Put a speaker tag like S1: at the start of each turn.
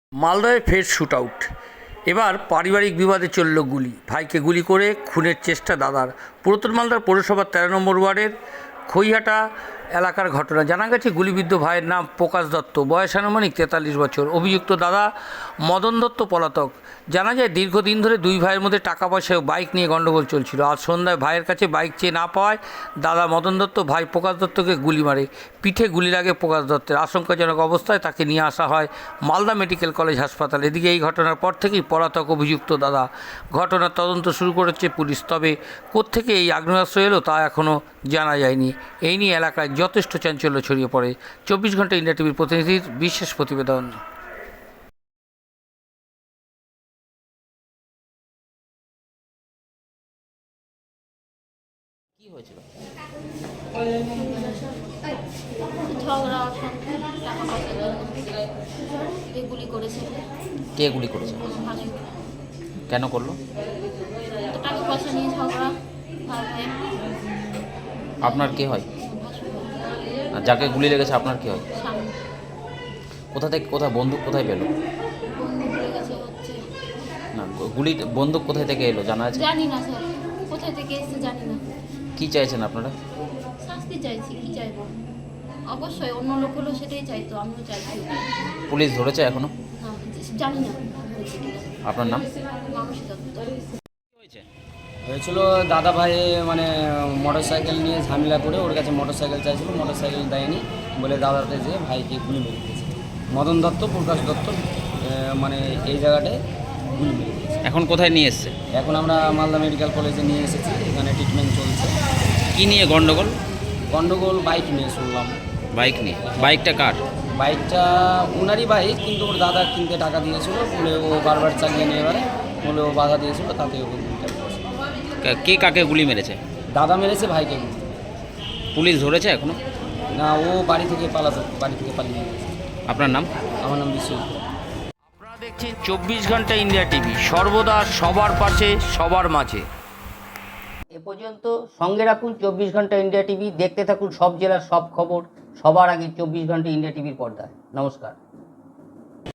S1: মালদায় ফের shoot out. এবার পারিবারিক বিবাদে চলল গুলি, ভাইকে গুলি করে খুনের চেষ্টা দাদার। পুরাতন মালদার পৌরসভার 13 নম্বর ওয়ার্ডের খইহাটা এলাকার ঘটনা। জানা গেছে গুলিবিদ্ধ ভাইয়ের নাম প্রকাশ দত্ত, বয়স আনুমানিক 43 বছর। অভিযুক্ত দাদা মদন দত্ত পলাতক। জানা যায় দীর্ঘদিন ধরে দুই ভাইয়ের মধ্যে টাকা পয়সা ও বাইক নিয়ে গণ্ডগোল চলছিল। আজ সন্ধ্যায় ভাইয়ের কাছে বাইক চেয়ে না পাওয়ায় দাদা মদন দত্ত ভাই প্রকাশ দত্তকে গুলি মারে। পিঠে গুলি লাগে প্রকাশ দত্তের। আশঙ্কাজনক অবস্থায় তাকে নিয়ে আসা হয় মালদা মেডিকেল কলেজ হাসপাতাল। এদিকে এই ঘটনার পর থেকেই পলাতক অভিযুক্ত দাদা। ঘটনার তদন্ত শুরু করেছে পুলিশ। তবে কোত্থেকে এই আগ্নেয়াস্ত্র এলো তা এখনও জানা যায়নি। এই নিয়ে এলাকায় যথেষ্ট চাঞ্চল্য ছড়িয়ে পড়ে। 24 ঘন্টা ইন্ডিয়া টিভির প্রতিনিধির বিশেষ প্রতিবেদন।
S2: কি হয়েছিল?
S3: ঝগড়া টাকা পয়সা দিয়ে গুলি করেছে।
S2: কে গুলি করেছে?
S3: ভাসুর।
S2: কেন করলো?
S3: তো টাকা পয়সা নিয়ে ঝগড়া ভাই ভাই।
S2: আপনার কে হয়?
S3: ভাসুর
S2: আর যাকে গুলি লেগেছে আপনার কে হয়?
S3: সামনে
S2: কোথা থেকে কোথায় বন্দুক কোথায় পেলো?
S3: বন্দুক লেগেছে হচ্ছে
S2: না, গুলি বন্দুক কোথায় থেকে এলো জানা আছে?
S3: জানি না স্যার, কোথায় থেকে এসেছে জানি না।
S2: কি চাইছেন আপনারা?
S3: শাস্তি চাইছি, কি চাইবো? অবশ্যই অন্য লোক হলেও সেটাই চাইতো, আমিও চাইছি।
S2: পুলিশ ধরেছে এখনো?
S3: না, জানি না হয়েছে কিনা।
S2: আপনার নাম?
S3: মানসী দত্ত।
S2: হয়েছে
S4: হয়েছিল দাদা ভাই মানে মোটর সাইকেল নিয়ে ঝামেলা করে ওর কাছে মোটর সাইকেল চাইছিল, মোটর সাইকেল দেয়নি বলে দাদাতে যে ভাইকে গুলি মেরে দিয়েছে। মদন দত্ত প্রকাশ দত্ত মানে এই জায়গাটায় গুলি মেরে দিয়েছে।
S2: এখন কোথায় নিয়ে এসছে?
S4: এখন আমরা মালদা মেডিকেল কলেজে নিয়ে এসেছি, এখানে ট্রিটমেন্ট চলছে।
S2: কি নিয়ে গন্ডগোল?
S4: গন্ডগোল বাইক নিয়ে শুনলাম।
S2: বাইক নিয়ে? বাইকটা কার?
S4: বাইকটা ওনারই বাইক, কিন্তু ওর দাদা কিনতে টাকা দিয়েছিল বলে ও বারবার চালিয়ে নিয়ে এবারে বলে ও বাধা দিয়েছিল, তাতে ও গুলিটা করেছে।
S2: কে কাকে গুলি মেরেছে?
S4: দাদা মেরেছে ভাইকে গুলি।
S2: পুলিশ ধরেছে এখনো?
S4: না, ও বাড়ি থেকে পালিয়ে গেছে।
S2: আপনার নাম?
S4: আমার নাম বিশ্বজিৎ।
S1: আপনারা দেখছেন 24 ঘন্টা ইন্ডিয়া টিভি, সর্বদা সবার পাশে সবার মাঝে। এ পর্যন্ত সঙ্গে রাখুন 24 ঘন্টা ইন্ডিয়া টিভি। দেখতে থাকুন সব জেলার সব খবর সবার আগে 24 ঘন্টা ইন্ডিয়া টিভির পর্দায়। নমস্কার।